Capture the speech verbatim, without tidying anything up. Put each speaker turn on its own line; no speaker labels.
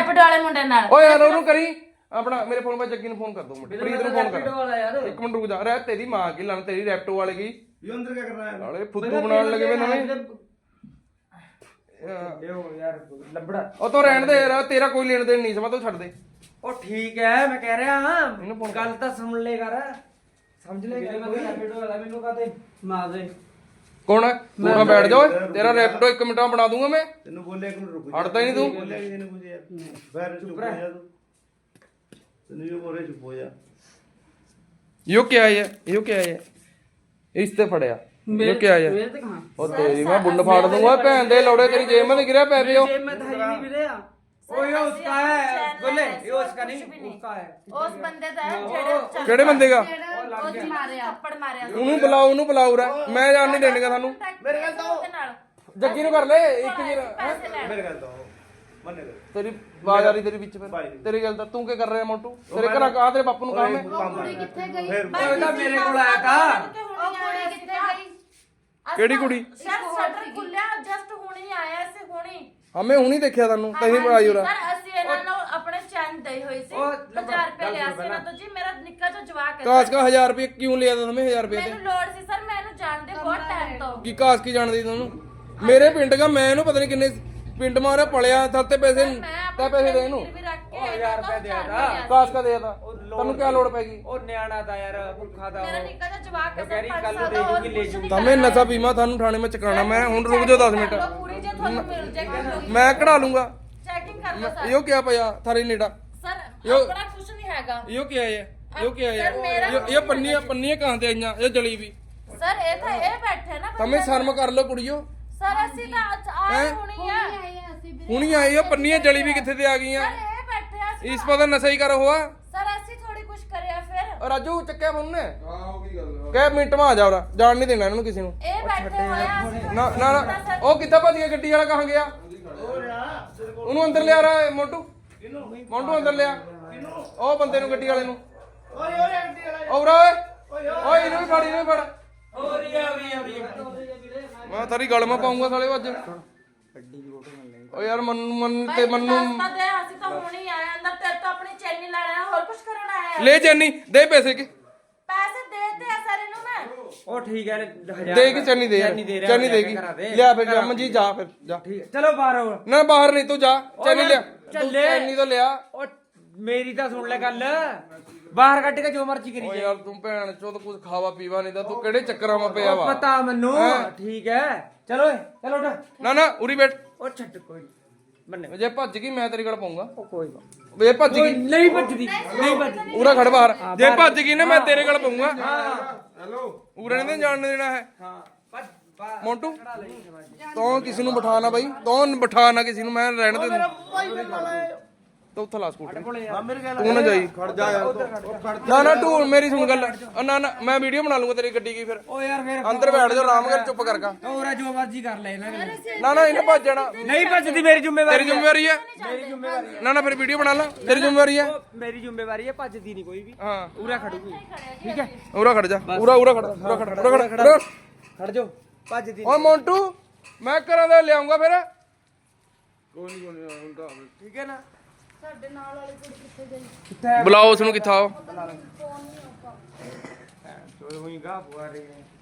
Rapid ਵਾਲੇ ਮੁੰਡੇ ਨਾਲ।
ਓਏ ਯਾਰ ਉਹਨੂੰ ਕਰੀ ਆਪਣਾ ਮੇਰੇ ਫੋਨ 'ਤੇ ਜੱਗੀ ਨੂੰ ਫੋਨ ਕਰ ਦੋ ਮਿੰਟ ਪ੍ਰੀਤ ਨੂੰ ਫੋਨ ਕਰ ਇੱਕ ਮਿੰਟ ਰੁਕ ਜਾ ਰਹਿ ਤੇਰੀ ਮਾਂ ਕੀ ਲੰਨ ਤੇਰੀ ਰੈਪਟੋ ਵਾਲੇ ਕੀ
ਇਹ ਅੰਦਰ ਕੀ ਕਰ ਰਹਾ ਹੈ
ਨਾਲੇ ਫੁੱਦੂ ਬਣਾਉਣ ਲੱਗੇ ਵੇ ਨਵੇਂ
ਯਾਰ ਲੱਭੜਾ
ਉਹ ਤੋਂ ਰਹਿਣ ਦੇ ਯਾਰ ਤੇਰਾ ਕੋਈ ਲੈਣ ਦੇਣ ਨਹੀਂ ਸਮਝ ਤੂੰ ਛੱਡ ਦੇ
ਉਹ ਠੀਕ ਹੈ ਮੈਂ ਕਹਿ ਰਿਹਾ ਹਾਂ ਇਹਨੂੰ ਗੱਲ ਤਾਂ ਸੁਣ ਲੈ ਕਰ ਸਮਝ ਲੈ ਰੈਪਿਡੋ ਵਾਲਾ ਮੈਨੂੰ ਕਹਤੇ ਮਾਰ ਦੇ
ਕੌਣ ਹੈ ਤੂੰ ਨਾ ਬੈਠ ਜਾ ਓਏ ਤੇਰਾ ਰੈਪਟੋ ਇੱਕ ਮਿੰਟਾਂ ਬਣਾ ਦੂੰਗਾ ਮੈਂ
ਤੈਨੂੰ ਬੋਲਿਆ ਇੱਕ ਮਿੰਟ ਰੁਕ
ਹਟਦਾ ਹੀ ਨਹੀਂ ਤੂੰ
ਬੋਲਿਆ ਕਿਸੇ ਨੇ ਕੁਝ ਯਾਰ ਬਾਹਰ ਚੁੱਪ ਰਹਿ ਜਾ ਤੂੰ ਤੈਨੂੰ ਜੋ ਬੋਲੇ ਚੁੱਪ ਹੋ ਜਾ
ਯੋ ਕੀ ਆਇਆ ਯੋ ਕੀ ਆਇਆ ਇਸ ਤੇ ਫੜਿਆ ਯੋ ਕੀ ਆਇਆ
ਮੇਰੇ ਤੇ ਕਹਾਂ
ਉਹ ਤੇਰੀ ਮੈਂ ਬੁੰਡ ਫਾੜ ਦੂੰਗਾ ਭੈਣ ਦੇ ਲੋੜੇ ਤੇਰੀ ਜੇਬ में गिरा पै पियो
जेब में था ही नहीं मिले ओ ये उसका है बोले ये उसका नहीं उसका है
ਉਸ ਬੰਦੇ ਦਾ ਹੈ ਜਿਹੜੇ
ਕਿਹੜੇ ਬੰਦੇ ਦਾ
ਉਹ ਜੀ ਮਾਰਿਆ ਥੱਪੜ ਮਾਰਿਆ
ਉਹਨੂੰ ਬੁਲਾਓ ਉਹਨੂੰ ਬੁਲਾਓ ਰਾ ਮੈਂ ਜਾਣ ਨਹੀਂ ਦੇਣਗਾ ਤੁਹਾਨੂੰ
ਮੇਰੇ ਗੱਲ ਤਾਂ
ਜੱਗੀ ਨੂੰ ਕਰ ਲੈ ਇੱਕ ਵੀਰ
ਮੇਰੇ ਗੱਲ ਤਾਂ ਮੰਨੇ ਦੇ
ਤੇਰੀ ਆਵਾਜ਼ ਆ ਰਹੀ ਤੇਰੀ ਵਿੱਚ ਫਿਰ ਤੇਰੀ ਗੱਲ ਤਾਂ ਤੂੰ ਕੀ ਕਰ ਰਿਹਾ ਮੋਟੂ ਤੇਰੇ ਘਰ ਆ ਤੇਰੇ ਬਾਪੂ ਨੂੰ ਕੰਮ ਹੈ
ਕੁੜੀ ਕਿੱਥੇ ਗਈ
ਉਹ ਤਾਂ ਮੇਰੇ ਕੋਲ ਆਇਆ ਥਾ
ਉਹ ਕੁੜੀ ਕਿੱਥੇ ਗਈ
ਕਿਹੜੀ ਕੁੜੀ
ਸਰ ਸ਼ਟਰ ਖੁੱਲਿਆ ਜਸਟ ਹੁਣੀ ਆਇਆ ਸੀ ਹੁਣੀ
ਹਮੇ ਹੁਣੀ ਦੇਖਿਆ ਤੁਹਾਨੂੰ ਕਹੀਂ ਆਈ ਹੋਰਾ
ਸਰ ਅਸੀਂ ਇਹਨਾਂ ਨੂੰ ਆਪਣੇ ਚੈਨ ਦੇਈ ਹੋਈ ਸੀ ਹਜ਼ਾਰ ਰੁਪਏ ਲਿਆ ਸੀ ਨਾ ਤਾਂ ਜੀ ਮੇਰਾ ਨਿੱਕਾ ਜਿਹਾ ਜਵਾਕ ਹੈ
ਕਾਸ ਕਾ ਹਜ਼ਾਰ ਰੁਪਏ ਕਿਉਂ ਲਿਆ ਤਾ ਹਮੇ ਹਜ਼ਾਰ ਰੁਪਏ ਤੇ
ਮੈਨੂੰ ਲੋੜ ਸੀ ਸਰ ਮੈਂ ਇਹਨੂੰ ਜਾਣਦੇ ਬਹੁਤ ਟਾਈਮ ਤੋਂ
ਕੀ ਕਾਸ ਕੀ ਜਾਣਦੀ ਤੁਹਾਨੂੰ ਮੇਰੇ ਪਿੰਡ ਦਾ ਮੈਂ ਇਹਨੂੰ ਪਤਾ ਨਹੀਂ ਕਿੰਨੇ ਪਿੰਡ ਮਾਰਿਆ ਪਲਿਆ ਥਰ ਤੇ ਪੈਸੇ ਤਾਂ ਪੈਸੇ ਦੇ ਇਹਨੂੰ
ਹਜ਼ਾਰ ਰੁਪਏ
ਦੇ ਤਾ
ਕਾਸ ਕਾ ਦੇ ਤਾ ਤੈਨੂੰ ਕੀ ਲੋੜ ਪੈ ਗਈ
ਉਹ ਨਿਆਣਾ ਦਾ ਯਾਰ ਭੁੱਖਾ ਦਾ
ਮੇਰਾ ਨਿੱਕਾ ਜਿਹਾ ਜਵਾਕ ਹੈ
ਕਹਿ ਰਹੀ ਕੱਲ ਨੂੰ ਦੇ ਜੂਗੀ ਲੈ ਜੂਗੀ
ਤਮੇ ਨਸ਼ਾ ਪੀਮਾ ਤੁਹਾਨੂੰ ਥਾਣੇ ਵਿੱਚ ਚਕਾਣਾ ਮੈਂ ਹੁਣ ਰੁਕ ਜਾਓ ਦਸ ਮਿੰਟ
ਪੂਰੀ ਜੇ ਤੁਹਾਨੂੰ ਮਿਲ ਜਾਏਗੀ
ਮੈਂ ਕਢਾ ਲੂੰਗਾ
ਚੈਕਿੰਗ ਕਰ ਲਓ ਸਰ
ਇਹੋ ਕੀ ਪਿਆ ਥਾਰੇ ਨੇੜਾ
ਸਰ ਆਪਣਾ ਕੁਝ ਨਹੀਂ ਹੈਗਾ
ਇਹੋ ਕੀ ਆਇਆ ਇਹੋ ਕੀ ਆਇਆ ਇਹ ਪੰਨੀਆਂ ਪੰਨੀਆਂ ਕਹਾਂ ਤੇ ਆਈਆਂ ਇਹ ਜਲੀ ਵੀ
ਸਰ ਇਹ ਤਾਂ ਇਹ ਬੈਠੇ ਨਾ
ਤਮੇ ਸ਼ਰਮ ਕਰ ਲਓ ਕੁੜੀਓ
ਸਰ ਅਸੀਂ ਤਾਂ ਆਏ ਹੁਣੀ ਆ
ਹੁਣੀ ਆਈ ਉਹ ਪੰਨੀਆਂ ਜਲੀ ਵੀ ਕਿੱਥੇ ਤੇ ਆ ਗਈਆਂ
ਸਰ ਇਹ ਬੈਠੇ ਆ ਅਸੀਂ
ਇਸ ਪਤਾ ਨਸ਼ਾ ਹੀ ਕਰ ਹੋਆ
ਸਰ ਅਸੀਂ ਥੋੜੀ ਕੁਝ ਕਰਿਆ ਫਿਰ
ਰਾਜੂ ਚੱਕਿਆ ਫੋਨ ਨੇ ਹਾਂ ਉਹ ਕੀ ਗੱਲ ਕਹਿ ਮਿੰਟ ਮਾ ਆ ਜਾ ਉਰਾ ਜਾਣ ਨਹੀਂ ਦੇਣਾ ਇਹਨਾਂ ਨੂੰ ਕਿਸੇ ਨੂੰ
ਇਹ ਬੈਠੇ ਹੋਏ ਆ ਅਸੀਂ
ਨਾ ਨਾ ਨਾ ਉਹ ਕਿੱਥੇ ਭੱਜ ਗਿਆ ਗੱਡੀ ਵਾਲਾ ਕਹਾਂ ਗਿਆ ਉਹਨੂੰ ਅੰਦਰ ਲਿਆ ਰਾ ਮੋਟੂ ਮੋਟੂ ਅੰਦਰ ਲਿਆ ਉਹ ਬੰਦੇ ਨੂੰ ਗੱਡੀ ਵਾਲੇ ਨੂੰ
ਓਏ ਓਏ ਗੱਡੀ ਵਾਲਾ
ਔਰਾ ਓਏ ਓਏ ਇਹਨੂੰ ਵੀ ਫੜ ਇਹਨੂੰ ਵੀ ਫੜ
ਹੋ ਰਹੀ ਹੈ ਹੋ ਰਹੀ ਹੈ ਹੋ ਰਹੀ ਹੈ
ਮੈਂ ਤਾਰੀ ਗਲ ਮੈਂ ਪਾਉਂਗਾ ਸਾਲੇ ਅੱਜ ਓ ਯਾਰ ਮਨ ਮਨ ਤੇ ਮੰਨੂ
ਰਸਤਾ ਦੇ ਅਸੀਂ ਤਾਂ ਹੁਣੀ ਆਏ ਅੰਦਰ ਤੇਰੇ ਤੋਂ ਆਪਣੀ ਚੈਨੀ ਲੈਣਾ ਹੋਰ ਕੁਝ ਕਰਨ ਆਏ
ਲੈ ਚੈਨੀ ਦੇ ਪੈਸੇ ਕੇ
ਪੈਸੇ ਦੇਤੇ ਆ ਸਰ ਇਹਨੂੰ ਮੈਂ
ਉਹ ਠੀਕ ਹੈ ਹਜ਼ਾਰ
ਦੇ ਕੇ ਚੈਨੀ ਦੇ ਯਾਰ ਚੈਨੀ ਦੇਗੀ ਲਿਆ ਫਿਰ ਜਾ ਮੰਜੀ ਜਾ ਫਿਰ ਜਾ
ਠੀਕ ਹੈ ਚਲੋ ਬਾਹਰ ਆਓ
ਨਾ ਬਾਹਰ ਨਹੀਂ ਤੂੰ ਜਾ ਚੈਨੀ ਲਿਆ
ਚੱਲੇ
ਚੈਨੀ ਤਾਂ ਲਿਆ
ਉਹ ਮੇਰੀ ਤਾਂ ਸੁਣ ਲੈ ਗੱਲ ਬਾਹਰ ਕੱਢ ਕੇ ਜੋ ਮਰਜ਼ੀ ਕਰੀ
ਓ
ਜਾ
ਯਾਰ ਤੂੰ ਭੈਣ ਚੋਦ ਕੁਝ ਖਾਵਾ ਪੀਵਾ ਨਹੀਂ ਤਾਂ ਤੂੰ ਕਿਹੜੇ ਚੱਕਰਾਂ ਮਾ ਪਿਆ ਵਾ
ਪਤਾ ਮੈਨੂੰ ਠੀਕ ਹੈ ਚਲੋ ਓਏ ਚਲੋ ਉੱਠ
ਨਾ ਨਾ ਉਰੀ ਬੈਠ
ਉਹ ਛੱਡ ਕੋਈ ਬੰਨੇ
ਜੇ ਭੱਜ ਗਈ ਮੈਂ ਤੇਰੀ ਗੱਲ ਪਾਉਂਗਾ
ਕੋਈ
ਵੇ ਭੱਜ ਗਈ
ਨਹੀਂ ਭੱਜਦੀ ਨਹੀਂ ਭੱਜਦੀ
ਉਰਾ ਖੜ ਬਾਹਰ ਜੇ ਭੱਜ ਗਈ ਨਾ ਮੈਂ ਤੇਰੇ ਗੱਲ ਪਾਉਂਗਾ
ਹੈਲੋ
ਉਰੇ ਨਹੀਂ ਜਾਣ ਦੇਣਾ ਹੈ
ਹਾਂ ਭੱਜ ਬਾਹਰ
ਮੋਂਟੂ ਤੂੰ ਕਿਸੇ ਨੂੰ ਬਿਠਾ ਨਾ ਬਾਈ ਤੂੰ ਬਿਠਾ ਨਾ ਕਿਸੇ ਨੂੰ ਮੈਂ ਰਹਿਣ ਦੇ ਦੂੰ ਤੂੰ ਉੱਥੇ ਲਾ ਸਕੂਟਰ ਤੂੰ ਨਾ ਜਾਈ
ਖੜ ਜਾ ਯਾਰ
ਨਾ ਨਾ ਤੂੰ ਮੇਰੀ ਸੁਣ ਗੱਲ ਉਹ ਨਾ ਨਾ ਮੈਂ ਵੀਡੀਓ ਬਣਾ ਲੂੰਗਾ ਤੇਰੀ ਗੱਡੀ ਕੀ ਫਿਰ
ਓ ਯਾਰ ਫੇਰ
ਅੰਦਰ ਬੈਠ ਜਾ ਆਰਾਮ ਕਰ ਚੁੱਪ ਕਰਗਾ
ਹੋਰਾ ਜੋ ਮਰਜ਼ੀ ਕਰ ਲੈ ਇਹਨਾਂ ਨੇ
ਨਾ ਨਾ ਇਹਨੇ ਭੱਜ ਜਾਣਾ
ਨਹੀਂ ਭੱਜਦੀ ਮੇਰੀ ਜ਼ਿੰਮੇਵਾਰੀ
ਤੇਰੀ ਜ਼ਿੰਮੇਵਾਰੀ ਹੈ
ਮੇਰੀ ਜ਼ਿੰਮੇਵਾਰੀ
ਨਾ ਨਾ ਫਿਰ ਵੀਡੀਓ ਬਣਾ ਲਾ ਤੇਰੀ ਜ਼ਿੰਮੇਵਾਰੀ ਹੈ
ਮੇਰੀ ਜ਼ਿੰਮੇਵਾਰੀ ਹੈ ਭੱਜਦੀ ਨਹੀਂ ਕੋਈ ਵੀ
ਹਾਂ
ਉਰਾ ਖੜੂਗੀ ਠੀਕ ਹੈ
ਉਰਾ ਖੜ ਜਾ ਉਰਾ ਉਰਾ ਖੜ ਉਰਾ ਖੜ ਉਰਾ ਖੜ ਉਰਾ
ਖੜ ਜਾ ਭੱਜਦੀ
ਓਏ ਮੋਂਟੂ ਮੈਂ ਘਰਾਂ ਦਾ ਲਿਆਉਂਗਾ ਫਿਰ
ਕੋਈ ਨਹੀਂ ਕੋਈ ਨਹੀਂ ਹੁੰਦਾ
ਠੀਕ ਹੈ ਨਾ
ਸਾਡੇ ਨਾਲ ਵਾਲੀ ਕੁੜੀ ਕਿੱਥੇ ਗਈ
ਕਿੱਥੇ
ਬੁਲਾਓ ਉਸ ਨੂੰ ਕਿੱਥਾ ਉਹ
ਚੋਰ ਹੋਈ ਗਾ ਪੁਆ ਰਹੀ ਹੈ